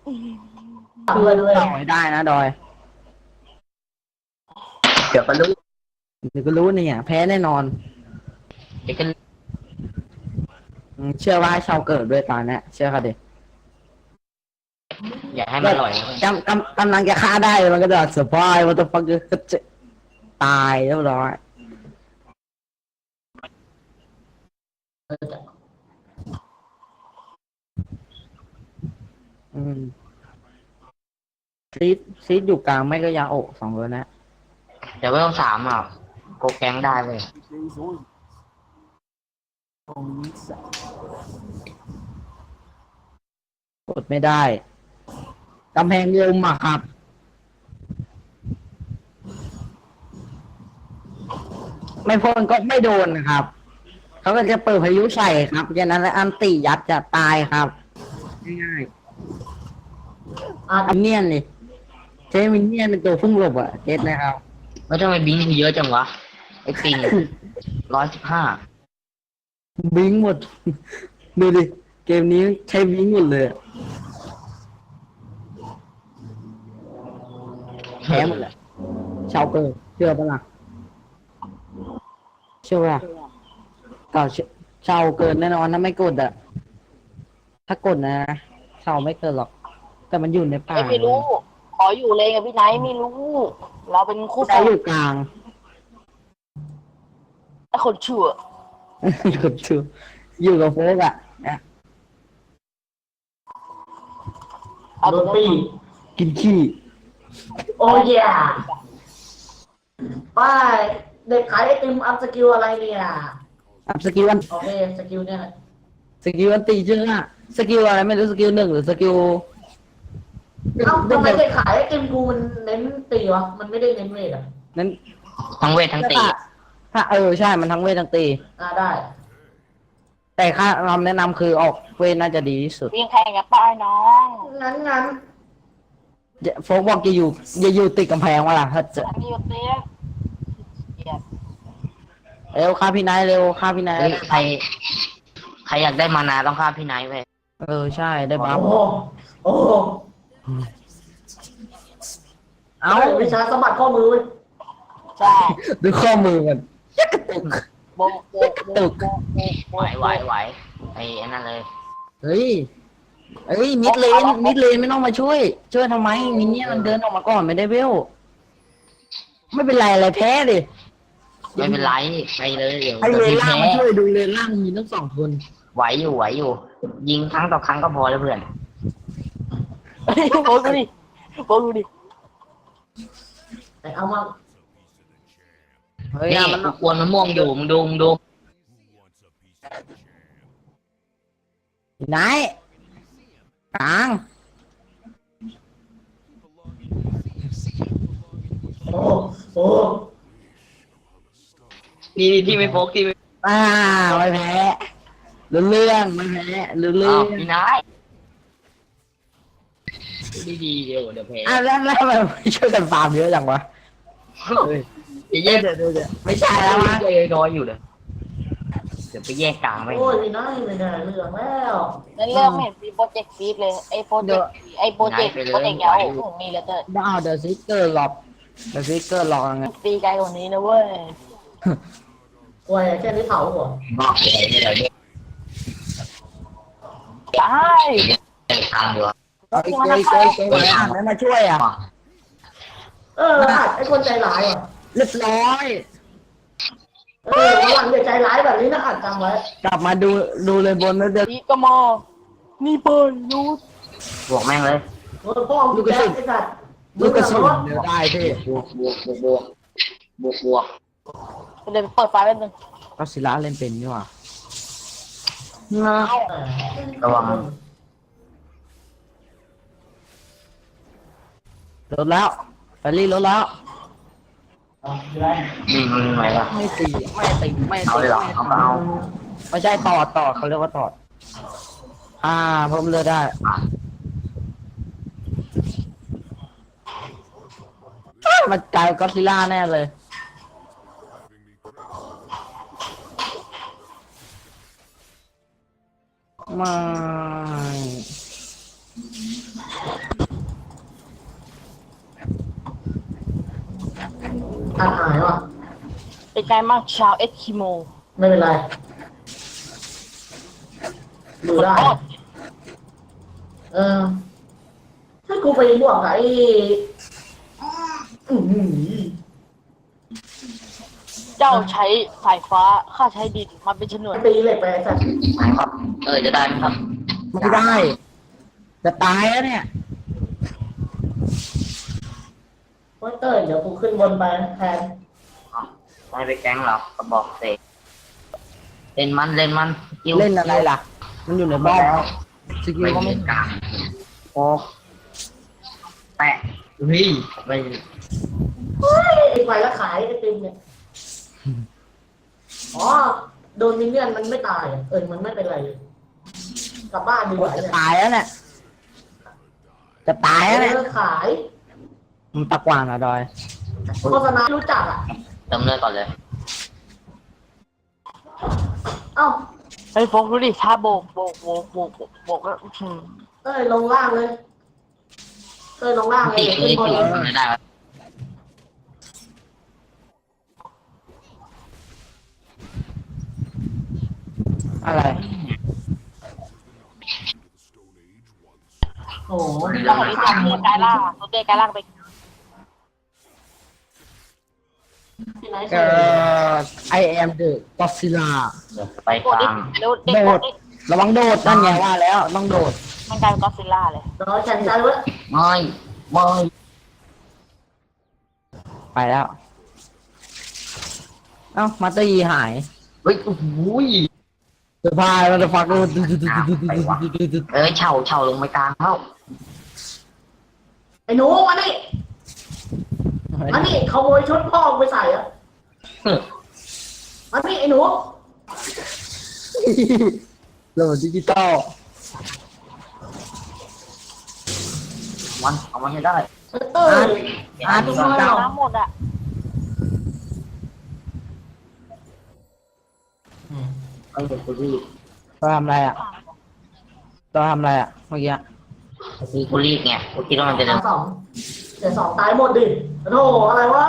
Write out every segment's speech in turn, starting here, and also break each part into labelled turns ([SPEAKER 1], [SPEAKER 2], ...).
[SPEAKER 1] ด้วย
[SPEAKER 2] ต่อให้ได้นะดอย
[SPEAKER 1] เดี๋ยวก็รู้
[SPEAKER 2] เดี๋ยวก็รู้เนี่ยแพ้แน่นอน
[SPEAKER 1] เดี๋ยวก็
[SPEAKER 2] เชื่อว่าให้ชาวเกิดด้วยตอนนี้เชื่อเขาดิ
[SPEAKER 1] อย่าให้มันอร่อย
[SPEAKER 2] กำลังจะฆ่าได้มันก็จะเซอร์ไพรส์มันจะฟังก็จะตายเรียบร้อยอืมซีดอยู่กลางไม่ก็ยาโอะสองคนนะ
[SPEAKER 1] เดี๋ยวไม่ต้องสามอ่ะโกแกงได้เลย
[SPEAKER 2] กดไม่ได้กำแพงลมอ่ะครับไม่พ้นก็ไม่โดนนะครับเขาก็จะเปิดพายุใส่ครับฉะนั้นแล้วอันติยัดจะตายครับง่ายๆมินเนี่ยนเลยเจมินเนี่ยนเป็นตัวพุ่งหลบอ่ะเจ็ดนะครับ
[SPEAKER 1] ไม่ต้องไปบิงเยอะจังวะไอ้ปิง115
[SPEAKER 2] บิงหมดดูดิเกมนี้ใช้บิงหมดเลยแพ้หมดแหละชาวเกิดเชื่อปะล่ะเชื่อว่าเก่าชาวเกินแน่นอนถ้าไม่กดอ่ะถ้ากดนะชาวไม่เกินหรอกแต่มันอยู่ในป่า
[SPEAKER 3] ไม่รู้ ขออยู่เลยกับพี่ไนท์ไม่รู้ เราเป็นคู่
[SPEAKER 2] แต่อยู่กลาง
[SPEAKER 3] ไอ้คนชั่ว
[SPEAKER 2] อยู่ชื่ออยู่กับโฟกอ่ะนะ
[SPEAKER 3] เอาตัวนี้
[SPEAKER 2] กินขี้
[SPEAKER 4] โอ้ยไปเด็กขายไอติมอัพสกิลอะไรเนี่ย
[SPEAKER 2] อัพสกิลวัน
[SPEAKER 4] โอเคสกิลเนี่ย
[SPEAKER 2] สกิลวันตีชื่ออ่ะสกิลอะไรไม่รู้สกิลหนึ่งหรือสกิล
[SPEAKER 4] เอ้าทำไมเด็กขายไอติมกูมันเน้นตีวะมันไม่ได้เน้นเวทอ่ะ
[SPEAKER 2] นั้น
[SPEAKER 1] ทั้งเวททั้งตี
[SPEAKER 2] ถ้าใช่มันทั้งเวททั้งตี
[SPEAKER 4] ได้
[SPEAKER 2] แต่ค่าคำแนะนำคือออกเวทน่าจะดีที่สุด
[SPEAKER 3] วิ่งแข่งกับป้ายน้อง
[SPEAKER 4] งั้น
[SPEAKER 2] โฟกบอกอย่าอยู่ติดกำแพงวะล่ะถ้าจะ
[SPEAKER 3] อันนี้ก็เตี้ยเหี้ย
[SPEAKER 2] เร็วฆ่าพี่นายเร็วฆ่าพี่นาย
[SPEAKER 1] เฮ้ยใครอยากได้มานาต้องฆ่าพี่ไนท์เว้ย
[SPEAKER 2] ใช่ได้บัฟ
[SPEAKER 4] โอ้โอ้
[SPEAKER 2] เอ้า
[SPEAKER 4] วิชาสะบัดข้อมือเว้ย
[SPEAKER 3] ใช่
[SPEAKER 2] ดูข้อมือมันยักกระตุก
[SPEAKER 3] โบะโบะโบะโบะโบะ
[SPEAKER 1] ไหวไอ้นั่นเลย
[SPEAKER 2] เฮ้ยมิดเลนไม่ต้องมาช่วยทำไมมินเนี่ยมันเดินออกมาก่อนไม่ได้เวลไม่เป็นไรอะไรแพ้ดิ
[SPEAKER 1] ไม่เป็นไรไปเลยเดี๋ยว
[SPEAKER 2] ให้เลน
[SPEAKER 1] พี่
[SPEAKER 2] ล่าง
[SPEAKER 1] แพ้
[SPEAKER 2] มาช่วยดูเลนล่างมีทั้งสองคน
[SPEAKER 1] ไหวอยู่ ยิงครั้งต่อครั้งก็พอแล้วเพื่อน
[SPEAKER 3] เฮ้ยโบะดูดิโบะดูดิ
[SPEAKER 4] แต่เอามา
[SPEAKER 2] เฮ้ย
[SPEAKER 1] นี่
[SPEAKER 2] มัน
[SPEAKER 1] กูกวนมะม่วงอยู่มึงดู
[SPEAKER 2] ไหนกลาง
[SPEAKER 4] โอ้โอ้
[SPEAKER 1] นี่ที่ไม่โฟกที่ไม่
[SPEAKER 2] ไม่แพ้รู้เรื่องไม่แพ้รู้เรื่
[SPEAKER 1] อ้า
[SPEAKER 2] อ
[SPEAKER 1] ว
[SPEAKER 2] ง
[SPEAKER 1] พี่ไนท์ดีเดี๋ยวแพ้
[SPEAKER 2] แล้วทำไมไม่ช่วยกันฟาร์มเยอะจังวะเฮ้ย
[SPEAKER 1] จะแยก
[SPEAKER 2] เดี๋ยวไม่ใช่แล้ววะ
[SPEAKER 1] น้อยอยู่เลยเดี๋ยวไปแยกกลางไป
[SPEAKER 4] โอ้ยน้อยไม่ได้เรื่องแล้ว
[SPEAKER 3] นั่นเรื่องไม่เห็นมีโปรเจกต์ฟีดเลยไอ้โปรเจกต์ยาวของมีแล้วเตอร์
[SPEAKER 2] ดาวเดอะซิกเกอร์หลอกไง
[SPEAKER 3] ตีไกลกว่านี้นะเว้ย
[SPEAKER 4] โอ้ยแค่นี้เผาหัว
[SPEAKER 1] บอกเลยนี่เราแยก
[SPEAKER 3] ตาย
[SPEAKER 1] ทางดีกว่า
[SPEAKER 2] ไอ้เกยอ่านไม่มาช่วยอ่ะ
[SPEAKER 4] ไอคนใจร้ายอ่ะ
[SPEAKER 2] เรียบร้อย
[SPEAKER 4] วันหลังอย่าใจร้ายแบบนี้นะอัดจำไว้
[SPEAKER 2] กลับมาดูเลยบนแล้วเดี๋ยว
[SPEAKER 3] นี่ก็มอนี่เปิดยูส
[SPEAKER 1] บวกแม่งเลย
[SPEAKER 4] พ่อลูกกระสุนไอ้สัตว์
[SPEAKER 2] ลูกกระสุนเดี๋ยวได้พี่
[SPEAKER 1] บวก
[SPEAKER 3] เดี๋ยวเปิดไฟแป๊บนึง
[SPEAKER 2] ก็ศิลาเล่นเป็นนี่หว่า
[SPEAKER 1] ระวัง
[SPEAKER 2] ลดแล้วแฟรี่ลดแล้ว
[SPEAKER 1] มันไหวปะ
[SPEAKER 2] ไม่ตี
[SPEAKER 1] เอาเลยเหรอเอา
[SPEAKER 2] ไม่ใช่ตอดเขาเรียกว่าตอดเพิ่มเลือดได้มันกลายก็ซิล่าแน่เลยไม่
[SPEAKER 4] อ่านหายว่ะ
[SPEAKER 3] เป็นไงมั่งชาวเอสคิโม
[SPEAKER 4] ไม่เป็นไรดูได้
[SPEAKER 3] โอ้
[SPEAKER 4] เออถ้ากูไปบวกกับไอ้อื้อหือ
[SPEAKER 3] เจ้าใช้สายฟ้าข้าใช้ดินมาเป็นชนวน
[SPEAKER 4] ตีเหล็กไปสัตว์
[SPEAKER 1] ไหนครับจะได้ไหมครับ
[SPEAKER 2] ไม่ได้ จะตายแล้วเนี่ย
[SPEAKER 4] โอ้ยเต้ยเดี๋ยวกูขึ้นบนไปแทน
[SPEAKER 1] ไม่ไปแก๊งหรอกก็บอกเสกเล่นมันกิ้ว
[SPEAKER 2] เล่นอะไรล่ะ มันอยู่ในบ้าน
[SPEAKER 1] แล้ว
[SPEAKER 2] สกิล
[SPEAKER 1] ไม่
[SPEAKER 2] ก็ไม่
[SPEAKER 1] เล่นกลางโอ้แปะเฮ้ยไม่
[SPEAKER 4] ไอ้ไฟแล้วขายไอติมเนี่ยอ๋อโดนมินเนี่ยนมันไม่ตายอ่ะมันไม่เป็นไรเลยกลับบ้านดีกว่า
[SPEAKER 2] จะ
[SPEAKER 4] เนี่ย
[SPEAKER 2] ตายแล้วเนี่ย จะตายแล้วเนี่ย
[SPEAKER 4] ขาย
[SPEAKER 2] มันตะกวางเหรอดอย
[SPEAKER 4] โฆษณารู้จักอ่ะ
[SPEAKER 1] เติมเลือดก่อนเลย
[SPEAKER 4] เอ้า
[SPEAKER 3] ไอ้ยโฟกดูดิถ้าโบกแล้ว
[SPEAKER 4] ลงล่างเลยลงล่างเลย
[SPEAKER 1] ตี
[SPEAKER 4] ขึ้นบนเลย
[SPEAKER 1] ไม่ได้
[SPEAKER 2] อะไร
[SPEAKER 4] โอ้โห
[SPEAKER 3] แล้วของไอ้ตัวเตี้ยกายล่างตัวเตี้ยกายล่างไป
[SPEAKER 4] ที่ไหน
[SPEAKER 2] เอ่อ I am the Godzilla
[SPEAKER 1] ไป
[SPEAKER 3] โก
[SPEAKER 1] ก
[SPEAKER 3] ดิ
[SPEAKER 1] ลาง
[SPEAKER 3] เร็วเด็ก
[SPEAKER 2] โด
[SPEAKER 3] โก
[SPEAKER 2] ด
[SPEAKER 3] ดิ
[SPEAKER 2] ระวังโดดนั่นไงว่าแล้วต้องโดด
[SPEAKER 3] มันกลายเป็นก็อดซิลล่าเลย
[SPEAKER 4] รอแข่งใจไว้
[SPEAKER 1] ไม่
[SPEAKER 2] ไปแล้ว เอ้ามาตอร์ยีหาย
[SPEAKER 1] เฮ้ยโอ้โห
[SPEAKER 2] เซอร์ไพรส์มันจะฟักดู
[SPEAKER 1] เฉาลงไปกลางเข้า
[SPEAKER 4] ไอ้หนูมานี่ขโมยชุดพ่อไปใส่อ่ะมานี่ไอ้หนู
[SPEAKER 2] โหลดดิจิตอล
[SPEAKER 1] เอามันให้ได้
[SPEAKER 4] เต้ย
[SPEAKER 3] ดูน้ำหมดอ่ะ
[SPEAKER 1] เอาเด็กกูรีบ
[SPEAKER 2] ตัวทำอะไรอ่ะตัวทำอะไรอ่ะเมื่อกี้
[SPEAKER 1] กูรีบไงกูคิดว่ามันจะเดิน
[SPEAKER 4] สองเดี๋ยวสองตายหมดดิโธ่อะไรวะ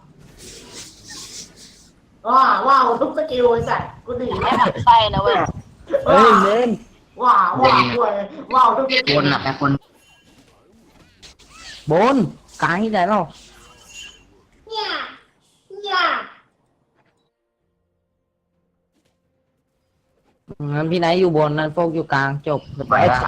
[SPEAKER 4] ว้าวทุกสกิลไอ้สัตว์กูดี
[SPEAKER 3] ไม่หมดไส้นะเว้ย
[SPEAKER 2] เฮ้ยเล่น
[SPEAKER 4] ว้าวทุกสกิ
[SPEAKER 1] ค
[SPEAKER 4] ล
[SPEAKER 1] นอ่ะแค่คน
[SPEAKER 2] บนกลางที่ไหนเรา
[SPEAKER 4] เนี่ย
[SPEAKER 2] งั้นพี่ไหนอยู่บนนั่นโฟกอยู่กลางจบ
[SPEAKER 1] ไป
[SPEAKER 2] ไอ้
[SPEAKER 1] แล้ว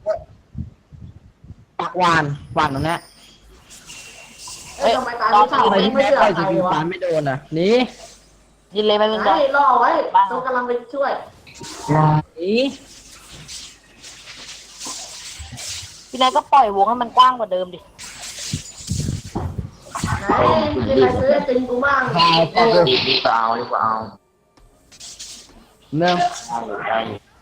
[SPEAKER 2] ปักวานตรงเนี้ย
[SPEAKER 4] ทำไมตายไม่
[SPEAKER 2] ทำไม
[SPEAKER 4] ใช่
[SPEAKER 2] พี่
[SPEAKER 4] ไม่
[SPEAKER 2] แม็ก
[SPEAKER 4] เชื่อ
[SPEAKER 2] ไป
[SPEAKER 4] ใคร
[SPEAKER 2] สกิล
[SPEAKER 4] วะ
[SPEAKER 2] ปานไม่โดนอ่ะหนี่
[SPEAKER 3] ยินเลยไม่เป็นไร
[SPEAKER 4] รอไว้ต้องกำลังไปช่วย
[SPEAKER 2] นี่
[SPEAKER 3] พี่นายก็ปล่อยวงให้มันกว้างกว่าเดิมดิ
[SPEAKER 4] ไหนกินอะไรซื้อติงกูบ้าง
[SPEAKER 1] ดีกว่าเอาดีกว่าเอา
[SPEAKER 2] เนื่อง
[SPEAKER 1] ได้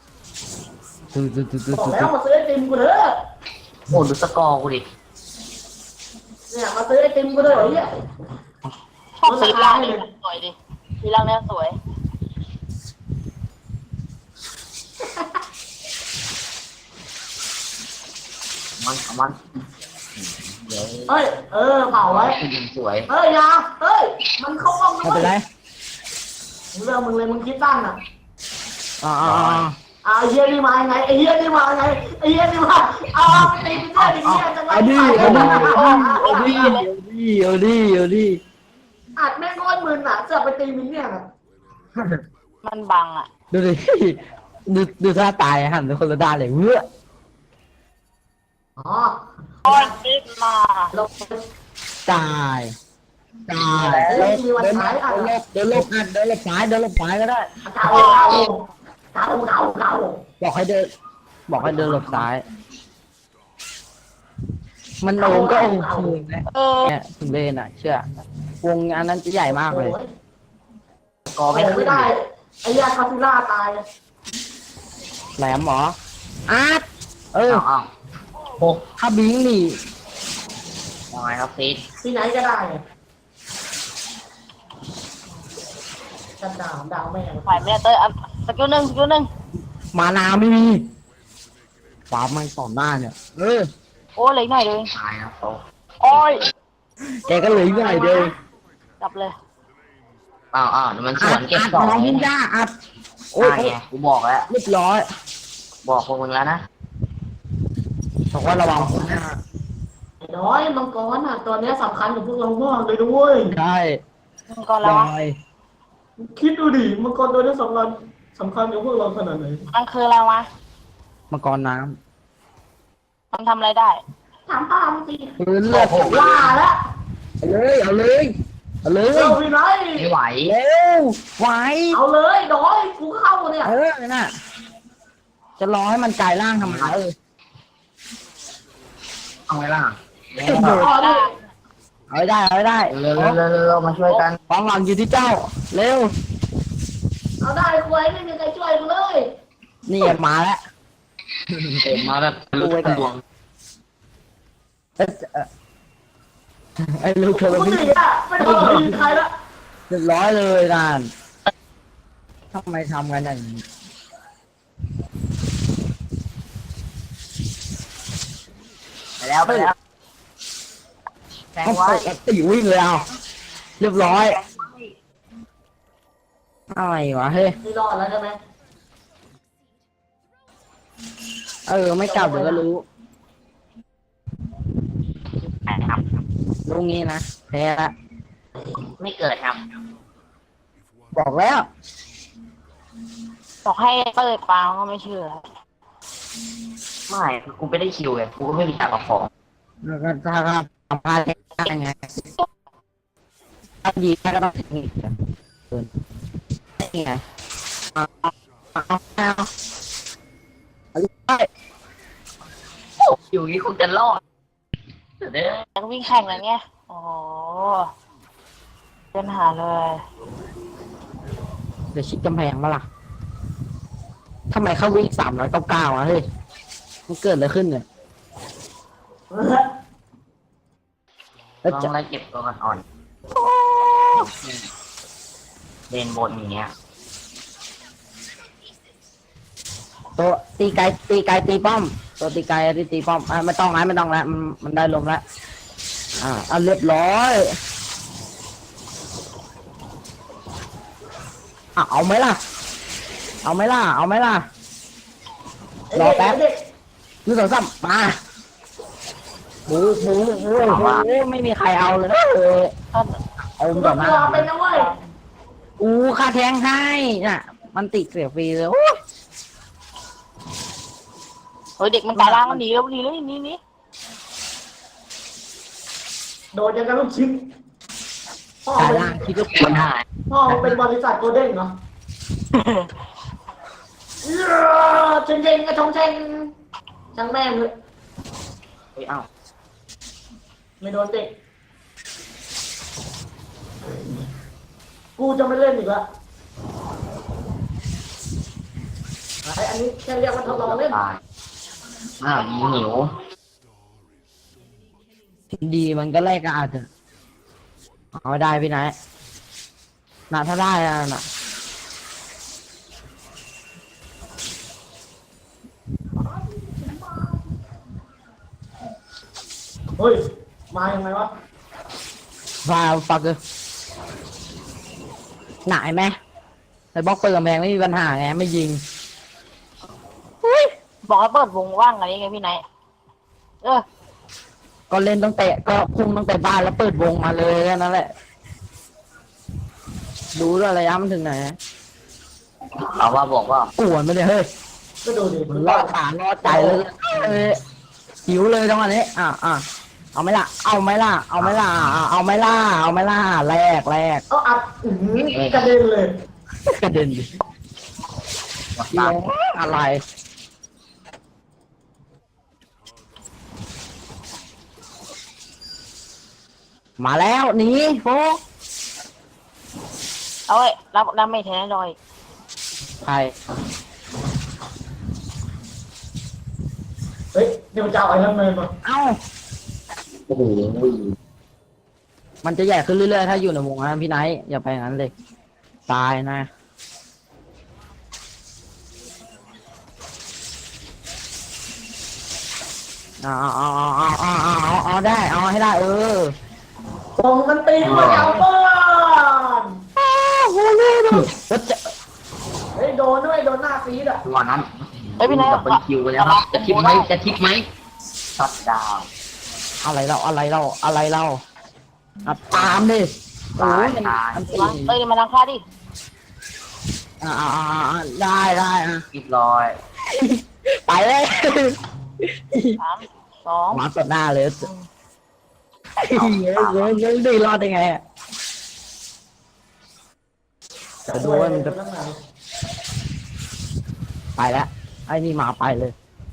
[SPEAKER 4] บอกแล้วมาซื้อไอติมกูเถอะ
[SPEAKER 1] โอ้ดูสกอร์กูดิ
[SPEAKER 4] เนี่ยมาซื้อไอติมกูเถอะไอ้เนี่ย
[SPEAKER 3] ชอบสีล่างนี่สวยดิสีล่างเนี่ยสวย
[SPEAKER 1] มันเดี๋ยว
[SPEAKER 4] เฮ้ยเผาไว้
[SPEAKER 1] ยิงสวย
[SPEAKER 4] ยามันเข้าห้อง
[SPEAKER 2] ไม่เป็นไร
[SPEAKER 4] เรื่องมึงเลยมึงคิดตั้งอ่ะ
[SPEAKER 2] อ่า
[SPEAKER 4] ไอ้เฮียนี่มาไงไอ้เฮียนี่มาไงไอ้เฮียนี่มาเอาไปตีไปเรื่อยๆจะมา
[SPEAKER 2] เอาดิ
[SPEAKER 4] อัดแม่งโคตรมึนอ่ะจะไปตีมินเนี่ยอ่ะ
[SPEAKER 3] มันบังอ่ะ
[SPEAKER 2] ดูดิดูท่าตายหันไปคนละด้านเลยเว้อ
[SPEAKER 4] อ๋อ
[SPEAKER 3] โอ้ยติดมา
[SPEAKER 4] เรา
[SPEAKER 2] ตายเดินลบซ้ายก็ได้
[SPEAKER 4] เก่า
[SPEAKER 2] บอกให้เดินหลบซ้าย มันโองก็องคืนนะ เนี่ยคุณเบนอ่ะ เชื่อ วงอันนั้นจะใหญ่มากเลย
[SPEAKER 1] สกอร์ไม่ขึ้
[SPEAKER 4] ไม่
[SPEAKER 1] น
[SPEAKER 4] ได้ไอ้ยาคาซิล่าตาย
[SPEAKER 2] แหลมหมออาร์ต
[SPEAKER 1] อ้าวหก
[SPEAKER 2] ถ้าบิงนี่
[SPEAKER 1] ยังไงครับซีด
[SPEAKER 4] ที่ไหนก็ได้จะดาวแม่ง
[SPEAKER 3] ฝ่ายไม่ได้เตยสกิลหนึ่ง
[SPEAKER 2] มานาไม่มีฟ้ามันต่อหน้าเนี่ย
[SPEAKER 3] โอ้เล็กหน่อยเลย
[SPEAKER 1] ตายนะโต
[SPEAKER 3] โอ้ย
[SPEAKER 2] แกก็เหลืออีกหน่อยเดียว
[SPEAKER 3] กลับเลย
[SPEAKER 1] อ้าวเดี๋ยวมันสวนเก็บ
[SPEAKER 2] อัด
[SPEAKER 1] สอง
[SPEAKER 2] น้อง
[SPEAKER 1] ไง
[SPEAKER 2] พิญญาอัดโอ้ย
[SPEAKER 1] ไงกูบอกแล้ว
[SPEAKER 2] เรียบร้อย
[SPEAKER 1] บอกพวกมึงแล้วนะ
[SPEAKER 2] บอกว่าระวัง
[SPEAKER 4] น้อยมังกรอ่ะตัวเนี้ยสำคัญกับพวกเรามากเลยด้วย
[SPEAKER 2] ใช่
[SPEAKER 3] มังกรแล้ว
[SPEAKER 2] ล
[SPEAKER 3] วะ
[SPEAKER 2] อย
[SPEAKER 4] คิดดูดิมังกรตัวเนี้ยสำคัญกับพวกเราขนาดไหน
[SPEAKER 3] มันคืออะไรวะ
[SPEAKER 2] มังกรน้
[SPEAKER 3] มันทำอะไรได้
[SPEAKER 4] ถามป้าสิ
[SPEAKER 2] ำปืนเลือด
[SPEAKER 4] ว่าแล้ว
[SPEAKER 2] เอาเลยเอาเลย
[SPEAKER 4] เร็วพี่ไร
[SPEAKER 1] ไม่ไหว
[SPEAKER 2] เร็วไหว
[SPEAKER 4] เอาเลยน้อยกูเข้าเนี่ย
[SPEAKER 2] น่ะจะรอให้มันกลายร่างทำไม
[SPEAKER 1] เอาไว้ล่ะ
[SPEAKER 4] อ๋อนี่
[SPEAKER 2] เอาให้ได้เอาให้ได้
[SPEAKER 1] เร็วมาช่วยกัน
[SPEAKER 2] ความหวังอยู่ที่เจ้า เร็ว
[SPEAKER 4] เอาได้คุยไม่มีใครช่วยกูเลย
[SPEAKER 2] นี่มาแล้ว
[SPEAKER 1] เต็มมาแบบรู้กันดวง
[SPEAKER 2] ไอ้ลูกเธอ
[SPEAKER 4] กู
[SPEAKER 2] พี่
[SPEAKER 4] หนีอ่ะไม่ต้องมีใครละ
[SPEAKER 2] เรียบร้อยเลยนานทำไมทำกันอย่างนี้
[SPEAKER 1] ไปแล้วแทง
[SPEAKER 2] ต้อง
[SPEAKER 1] ไว้
[SPEAKER 2] เปิดตีวิ่งเลยเอาเรียบร้อยอะไรวะเฮ้ย
[SPEAKER 4] นี่รอดแล้วใช่ไหม
[SPEAKER 2] ไม่กลับเดี๋ยวก็รู้
[SPEAKER 1] ครับ
[SPEAKER 2] รู้งี้นะแพ้ละ
[SPEAKER 1] ไม่เกิดครับ
[SPEAKER 2] บอกแล้ว
[SPEAKER 3] บอกให้เปิดปางก็ไม่เชื่อ
[SPEAKER 1] ไม่กูไม่ได้คิวไงกูก็ไม่มีทางกับของ
[SPEAKER 2] แล้วก็ถ้าทำพลาดได้ไงถ้าดีก็ต้องถึงอีกเกินนี่ไงเอาไป
[SPEAKER 1] อยู่นี้คงจะรอดเด้อ
[SPEAKER 3] ยังวิ่งแข่งอะไรเงี้ยโอ้โหปัญหาเลย
[SPEAKER 2] เดี๋ยวชิดกำแพงมาล่ะทำไมเขาวิ่ง399อ่ะเฮ้ยมันเกิดอะไรขึ้นเนี่ยแล้ว
[SPEAKER 1] ลอง
[SPEAKER 2] จะ
[SPEAKER 1] ไล่เก็บตัวกันอ่อนเดินบนอย่างเงี้ย
[SPEAKER 2] ตัวตีไกลตีป้อม ตัวตีไกลตีป้อมไม่ต้องแล้วมันได้ลมแล้วเอาเรียบร้อยเอาไหมล่ะรอแป๊บ1 2 3มาบูไม่มีใครเอาเลยเอา
[SPEAKER 4] กู
[SPEAKER 2] ต่
[SPEAKER 4] ต้
[SPEAKER 2] อ
[SPEAKER 4] อง
[SPEAKER 2] มา
[SPEAKER 4] รอไปนะเว้ย
[SPEAKER 2] ค่าแทงให้น่ะ มันติดเสียฟรีเลยโอ้
[SPEAKER 3] เฮ้ยเด็กมันตายล่างมันหนีแล้วหนีเลยหนี
[SPEAKER 4] โดนยังกันลูกชิ้นพ่อ
[SPEAKER 2] ตาย
[SPEAKER 4] เป็น
[SPEAKER 2] ล่างคิดว่า
[SPEAKER 1] คนหาย
[SPEAKER 4] พ่อเป็นบริษัทโกลเด้นเหรอเชงเชงกระชงเชงช่างแม่งเลย
[SPEAKER 1] เฮ้ยเอ้า
[SPEAKER 4] ไม่โดนเตะกูจะไม่เล่นอีกละอันนี้แค่เรียกว่าทดลองเล่น
[SPEAKER 1] ตายหิว
[SPEAKER 2] ดีมันก็แลกกันอาจจะเอาได้พี่นายถ้าได้น่ะ
[SPEAKER 4] เฮ้ยมายังไงวะ
[SPEAKER 2] ฟักเลยหนายไหมไอ้บล็อกเปิดกำแพงไม่มีปัญหาไงไม่ยิง
[SPEAKER 3] บอกให้เปิดวงว่างอะไรไงพี่ไนท์
[SPEAKER 2] ก็เล่นต้องเตะก็พุ่งต้องเตะบ้านแล้วเปิดวงมาเลยแค่นั้นแหละดูด้วยระยะมันถึงไหน
[SPEAKER 1] เอาว่าบอกว่า
[SPEAKER 2] กวนไม่ได้เฮ้ย
[SPEAKER 4] ก็ดูดิ
[SPEAKER 2] มันรอดขารอดใจเลยหิวเลยจังหวะนี้เอาไหมล่ะแรก
[SPEAKER 4] เอาอัดกระเด็นเลย
[SPEAKER 2] กระเด็นดิ
[SPEAKER 1] ตาม
[SPEAKER 2] อะไรมาแล้วหนีโฟก
[SPEAKER 3] เอาไว้รับไม่แท้หน่อย
[SPEAKER 2] ใคร
[SPEAKER 4] เฮ้ยเดี๋ยวจะเอาไอ้นั่นเลยมา
[SPEAKER 2] เอ้า
[SPEAKER 1] โอ้โห
[SPEAKER 2] มันจะใหญ่ขึ้นเรื่อยๆถ้าอยู่ในวงนั้นพี่ไนท์อย่าไปอย่างนั้นเลยตายนะเอาได้เอาให้ได้
[SPEAKER 4] ตรงมันตีมาเอาเปล่า
[SPEAKER 2] แล้วจะ
[SPEAKER 4] เฮ้ยโดนด้วยโดนหน้าฟีดอ่ะ
[SPEAKER 1] ตัวนั้น
[SPEAKER 3] เฮ้ยพี่นาย
[SPEAKER 1] ดับเบิลคิวไปแล้วครับจะทิปไหมจะทิปไหมช็อตดาวน์
[SPEAKER 2] อะไรเราอ่ะตามดิโอ้ยมันอันตี
[SPEAKER 3] มาเอ้ยมาทางข้าดิ
[SPEAKER 2] ได้อ่ะ
[SPEAKER 1] เรียบร้อย
[SPEAKER 2] ไปเลย
[SPEAKER 3] 3 2
[SPEAKER 2] มาตัดหน้าเลยยังดีรอดได้ไงอ่ะจะดูว่ามันจะไปแล้วไอ้นี่มาไปเลย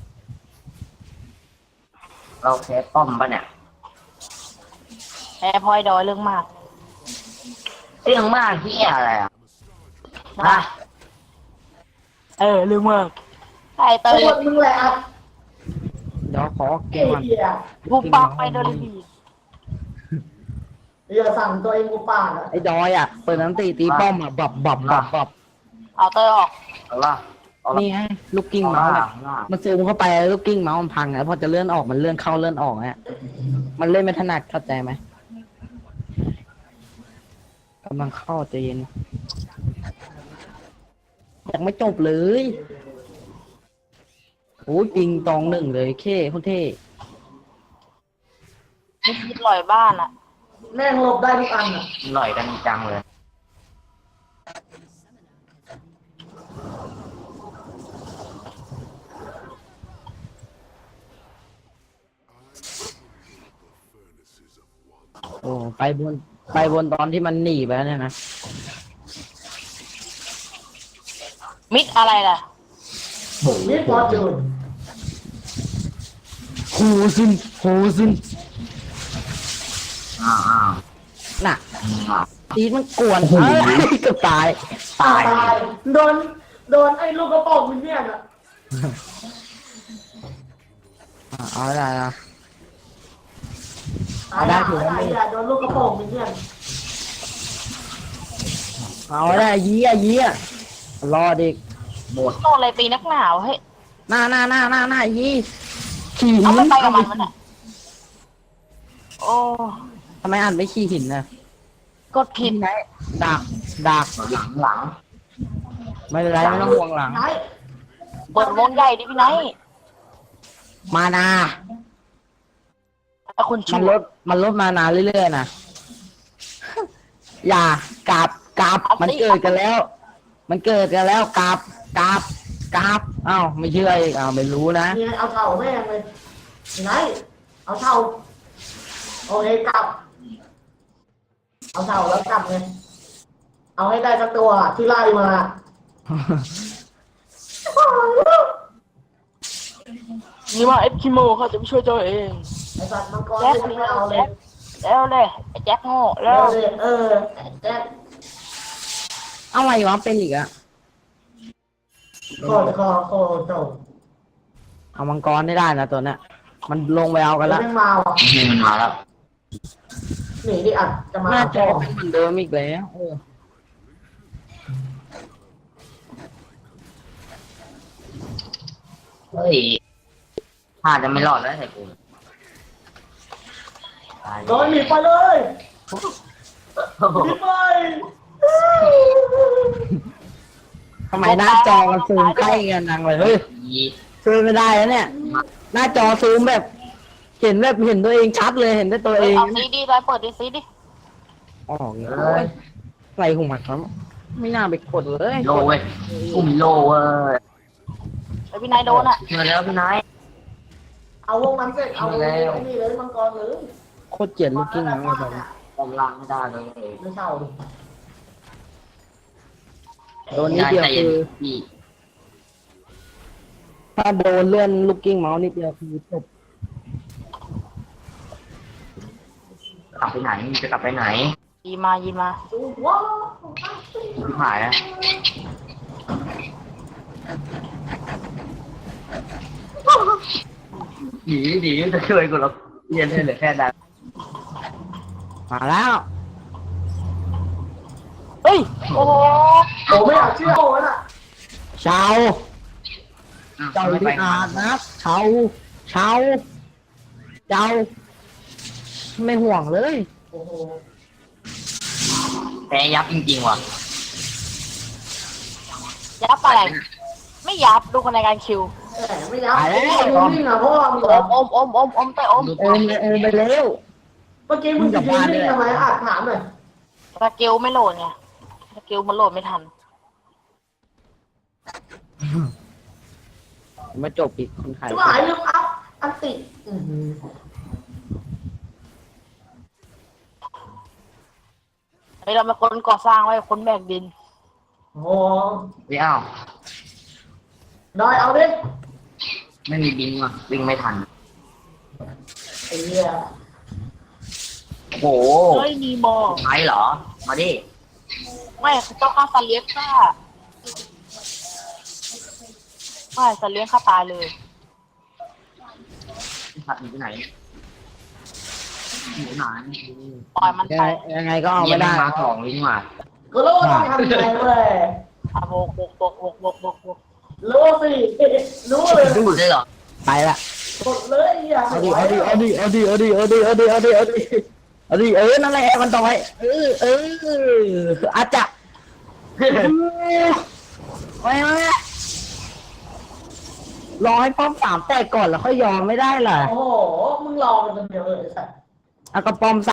[SPEAKER 1] เราแพ้ป้อมปะเนี่ย
[SPEAKER 3] แพ้พลอยดอยเรื่องมาก
[SPEAKER 1] เรื่องมากที่อะไรอ่ะฮะ
[SPEAKER 3] เรื่องมากไอ้เต
[SPEAKER 4] ตั
[SPEAKER 3] ยว
[SPEAKER 4] มึงแหละอ่ะ
[SPEAKER 2] เดี๋ยวขอเก
[SPEAKER 4] เอ้
[SPEAKER 2] มมัน
[SPEAKER 4] เหี้ย
[SPEAKER 3] กูปักไปโดนดี
[SPEAKER 4] อย่าสั่งตัวเองกูป่านอ่ะ
[SPEAKER 2] ไอ้ดอยอ่ะเปิดน้ำตีป้อมอ่ะบับ
[SPEAKER 3] เอาเตยออก
[SPEAKER 1] เอาละเอาละ
[SPEAKER 2] นี่ไงลูกกิ้ง
[SPEAKER 1] เอา
[SPEAKER 2] เมาส์
[SPEAKER 1] ละ
[SPEAKER 2] อะมันซูมเข้าไปลูกกิ้งเมาส์มันพังแล้วพอจะเลื่อนออกมันเลื่อนเข้าเลื่อนออกเนี่ยมันเล่นไม่ถนัดเข้าใจไหมกำลังเข้าใจเย็นยังไม่จบเลยโอ้ยปิงตองหนึ่งเลยโคตรเท่
[SPEAKER 3] ไม่คิดลอยบ้านอ่ะ
[SPEAKER 4] แม่งหลบได้ทุกอันอ่ะ
[SPEAKER 1] หน่อยกันจังเลย
[SPEAKER 2] โอ้ไปบนตอนที่มันหนีไปแล้วเนี่ยนะ
[SPEAKER 3] มิดอะไรล่ะ
[SPEAKER 4] นี่พอจูน
[SPEAKER 2] โหซึน
[SPEAKER 1] อ้าว
[SPEAKER 2] น่ะ
[SPEAKER 1] อ้าว
[SPEAKER 2] ตีมันกวนเอ้ยเกือบตาย
[SPEAKER 4] ตายโดนไอ้ลูกกระป๋องมันเนี่ยน่ะ
[SPEAKER 2] เอาได้ละ
[SPEAKER 4] ตายได้ถือว่าโดนลูกกระป๋องมันเนี่ย
[SPEAKER 2] เอาได้ยี้อ่ะรอเด็ก
[SPEAKER 1] หมด
[SPEAKER 3] โดนอะไรตีนักหนาวเฮ้ย
[SPEAKER 2] หน้ายี้ขี่หิ
[SPEAKER 3] เอา
[SPEAKER 2] น
[SPEAKER 3] ไม่ไปกับมันมันอ่ะโอ้
[SPEAKER 2] ทำไมอ่านไม่ขี่หินนะ
[SPEAKER 3] กดผิด
[SPEAKER 2] ไหนดัก
[SPEAKER 1] หลัง
[SPEAKER 2] ไม่เป็นไรไม่ต้องห่วงหลัง
[SPEAKER 4] ไหน
[SPEAKER 3] เปิดวงใหญ่ดิพี่ไนท์
[SPEAKER 2] มานา
[SPEAKER 3] ไอ้คน
[SPEAKER 2] มั
[SPEAKER 3] ชั่
[SPEAKER 2] น
[SPEAKER 3] ว
[SPEAKER 2] ลดมานาเรื่อยๆนะอย่ากลับมันเกิดกันแล้ว กลับอ้าวไม่เชื่ออีกอ้าวไม่รู้นะ
[SPEAKER 4] เนี่ยเอาเท่าแม่งเลยไหนเอาเท่าโอเคกลับ เอาเท่าแล้วกลับเลยเอาให้ได้สักตัวที่ไล่มา
[SPEAKER 3] นี่ว่าเอฟคิโมเขาจะไม่ช่วยตัวเอง
[SPEAKER 4] ไอ้สัตว์มังกร
[SPEAKER 3] แจ็ค
[SPEAKER 4] ไม่เอาเลย
[SPEAKER 3] แล้วเลยไอ้แจ็คโง่แล้
[SPEAKER 4] เร็
[SPEAKER 3] ว
[SPEAKER 4] วเลยแจ็ค
[SPEAKER 2] อะไรวะเป็นอีกอะ
[SPEAKER 4] โคตรโต
[SPEAKER 2] เอามังกรได้นะตัวเนี้ยมันลงไปเอากัน
[SPEAKER 4] แล้
[SPEAKER 2] ละ
[SPEAKER 4] วไม่มาว่ะ
[SPEAKER 1] นี่มันมาแล้ว
[SPEAKER 4] หนีดิอัดจะมา
[SPEAKER 2] หน้าจอเป็นเหมือนเดิมอีกแล้วเออ
[SPEAKER 1] เฮ้ยถ้าจะไม่รอดแล้วไอ้กูตาย
[SPEAKER 4] โดนหนีไปเลยหนีไป
[SPEAKER 2] ทำไมหน้าจอมันซูมใกล้กันนังเลยเฮ้ยซูมไม่ได้แล้วเนี่ย หน้าจอซูมแบบเห็นตัวเองชัดเลยเห็นได้ตัวเอง
[SPEAKER 3] เอาซีดีไปเปิดดิซีดิ
[SPEAKER 2] ออกเลยอะไรของมันครับไม่น่าไปกดเลย
[SPEAKER 1] โลเว้ยกูมีโลเว้ย
[SPEAKER 3] ไอ้พี่ไนท์โดนอ่ะ
[SPEAKER 1] มาแล้วพี่นาย
[SPEAKER 4] เอาวงนั้นเสร็จเอาวงนี้เลยมังกรเลย
[SPEAKER 2] โคตรเกลียดลูกกิ้งนะแบบ
[SPEAKER 1] กำลังไม่ได้เลย
[SPEAKER 4] ไม่เท่า
[SPEAKER 2] โดนนิดเดียวคือ
[SPEAKER 1] พี่
[SPEAKER 2] ถ้าโดนเลื่อนลูกกิ้งเมาส์นิดเดียวคือจบ
[SPEAKER 1] กลับไปไหนจะกลับไปไหน
[SPEAKER 3] ยีมา
[SPEAKER 4] ดูว้าว
[SPEAKER 1] พี่หายแล้วหนีจะช่วยกูหรอกเรียนให้เหลือแค่นั้น
[SPEAKER 2] มาแล้ว
[SPEAKER 3] เฮ้ยโอ้โห
[SPEAKER 4] โอ้ไม่อยากเชื่อโอ้น่ะ
[SPEAKER 2] เชาเจ้าที่อาจนะเชาไม่ห่วงเลย
[SPEAKER 4] โอ้โห
[SPEAKER 1] แพ้ยับจริงๆว่ะ
[SPEAKER 3] ยับอะไรไม่ยับดูคนในการคิว
[SPEAKER 4] ไม่ยับไอ้วิ่งอ่ะพ่อมึง
[SPEAKER 3] อมเต้อม
[SPEAKER 2] ไปเร็ว
[SPEAKER 4] เมื่อกี้มึงจะวิ่งทำไมอ่ะถามหน่อย
[SPEAKER 3] สกิลไม่โหลดไงสกิลมันโหลดไม่ทัน
[SPEAKER 2] มาจบอีกคนขาย
[SPEAKER 4] จะหายลืมอัพอันติ
[SPEAKER 3] ไอเราเป็นคนก่อสร้างไว้คนแบกดิน
[SPEAKER 4] โอ้
[SPEAKER 1] ไม่เอา
[SPEAKER 4] ดอยเอาดิ
[SPEAKER 1] ไม่มีบิงว่ะวิ่งไม่ทัน
[SPEAKER 4] ไอ้เหี้ย
[SPEAKER 1] โอ้โห
[SPEAKER 3] เฮ้ยมีโม
[SPEAKER 1] ใช่เหรอ มาดิ
[SPEAKER 3] ไม่เจ้าข้าสัตว์เลี้ยงข้าไม่สัตว์เลี้ยงข้าตายเลย
[SPEAKER 1] สัตว์อยู่ที่ไหนอยู่ไหน
[SPEAKER 3] ปล่อยมันไป
[SPEAKER 2] ยังไงก็เอา
[SPEAKER 1] เยี่ย
[SPEAKER 2] ไม่
[SPEAKER 1] ม
[SPEAKER 2] ได้
[SPEAKER 1] มาของวิ่งมา
[SPEAKER 4] ก็รู้ว่าต้องทำยังไงเว้ย
[SPEAKER 3] อ่ะโบก
[SPEAKER 4] รู้สิรู้เลย
[SPEAKER 1] ดูได้เหรอ
[SPEAKER 2] ไปละ
[SPEAKER 4] หมดเลยอ่ะ
[SPEAKER 2] เอาดินั่นแหละมันต่อยอาจจะไม่รอให้ป้อม3แตกก่อนแล้วค่อยยอมไม่ได้เหรอ
[SPEAKER 4] โอ้โหมึงรอมันคนเดียวเลยสัตว์
[SPEAKER 2] เอากระป้อม